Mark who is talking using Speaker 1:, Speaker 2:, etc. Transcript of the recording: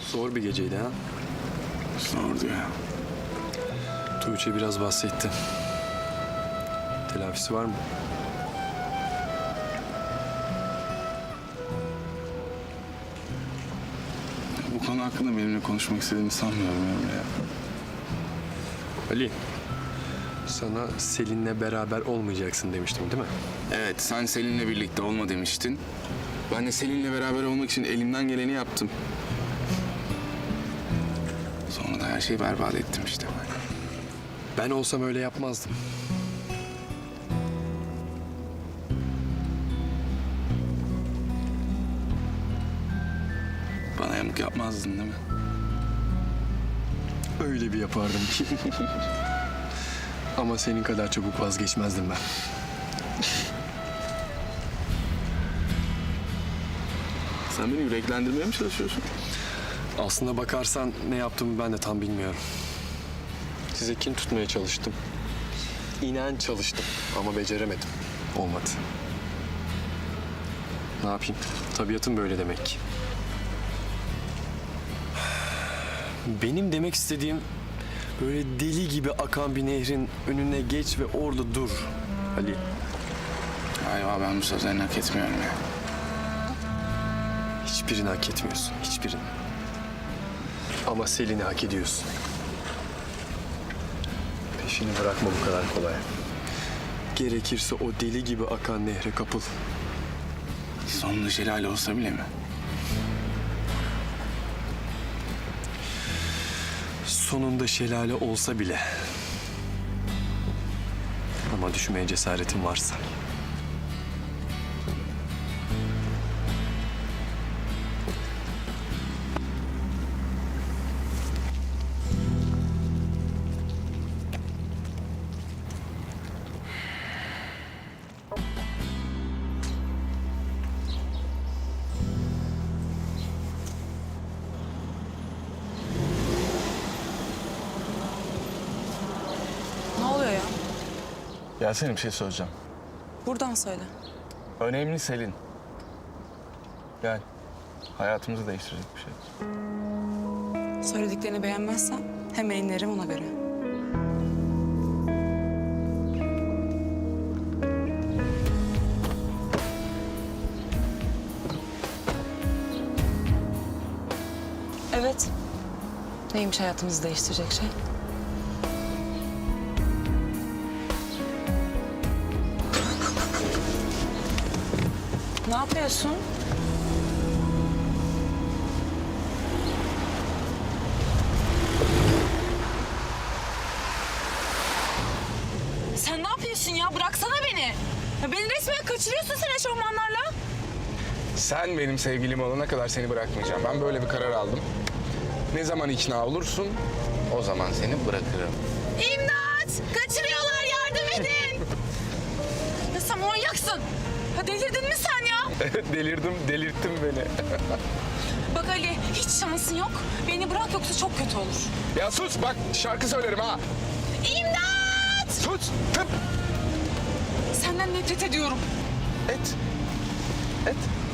Speaker 1: Zor bir geceydi ha.
Speaker 2: Zordu ya.
Speaker 1: Tuğçe biraz bahsetti. Telafisi var mı?
Speaker 2: Bu konu hakkında benimle konuşmak istediğini sanmıyorum Emre ya.
Speaker 1: Ali, sana Selin'le beraber olmayacaksın demiştim değil mi?
Speaker 2: Evet, sen Selin'le birlikte olma demiştin. Ben de Selin'le beraber olmak için elimden geleni yaptım. Sonra da her şeyi berbat ettim işte.
Speaker 1: Ben olsam öyle yapmazdım.
Speaker 2: Bana yamuk yapmazdın değil mi?
Speaker 1: Öyle bir yapardım ki. Ama senin kadar çabuk vazgeçmezdim ben.
Speaker 2: Sen beni yüreklendirmeye mi çalışıyorsun?
Speaker 1: Aslına bakarsan ne yaptığımı ben de tam bilmiyorum. Size kin tutmaya çalıştım. İnan çalıştım ama beceremedim. Olmadı. Ne yapayım? Tabiatım böyle demek ki. Benim demek istediğim böyle deli gibi akan bir nehrin önüne geç ve orada dur Ali.
Speaker 2: Galiba ben bu sözlerini hak etmiyorum ya.
Speaker 1: Hiçbirini hak etmiyorsun, hiçbirini. Ama Selin'i hak ediyorsun. Peşini bırakma bu kadar kolay. Gerekirse o deli gibi akan nehre kapıl.
Speaker 2: Sonunda şelale olsa bile mi?
Speaker 1: Sonunda şelale olsa bile. Ama düşmeye cesaretin varsa.
Speaker 3: Ne oluyor ya?
Speaker 2: Yasemin bir şey söyleyeceğim.
Speaker 3: Buradan söyle.
Speaker 2: Önemli Selin. Gel. Hayatımızı değiştirecek bir şey.
Speaker 3: Söylediklerini beğenmezsen hemen inerim ona göre. Evet. Neymiş hayatımızı değiştirecek şey? Ne yapıyorsun? Sen ne yapıyorsun ya? Bıraksana beni. Ya beni resmen kaçırıyorsun sen eşofmanlarla.
Speaker 2: Sen benim sevgilim olana kadar seni bırakmayacağım. Ben böyle bir karar aldım. Ne zaman ikna olursun, o zaman seni bırakırım.
Speaker 3: İmdat! Kaçırıyorlar, yardım edin! Ya sen manyaksın. Ha delirdin mi sen ya?
Speaker 2: Delirdim, delirttin beni.
Speaker 3: Bak Ali, hiç şansın yok. Beni bırak yoksa çok kötü olur.
Speaker 2: Ya sus bak, şarkı söylerim ha.
Speaker 3: İmdat!
Speaker 2: Sus, tıp.
Speaker 3: Senden nefret ediyorum.
Speaker 2: Et. Et.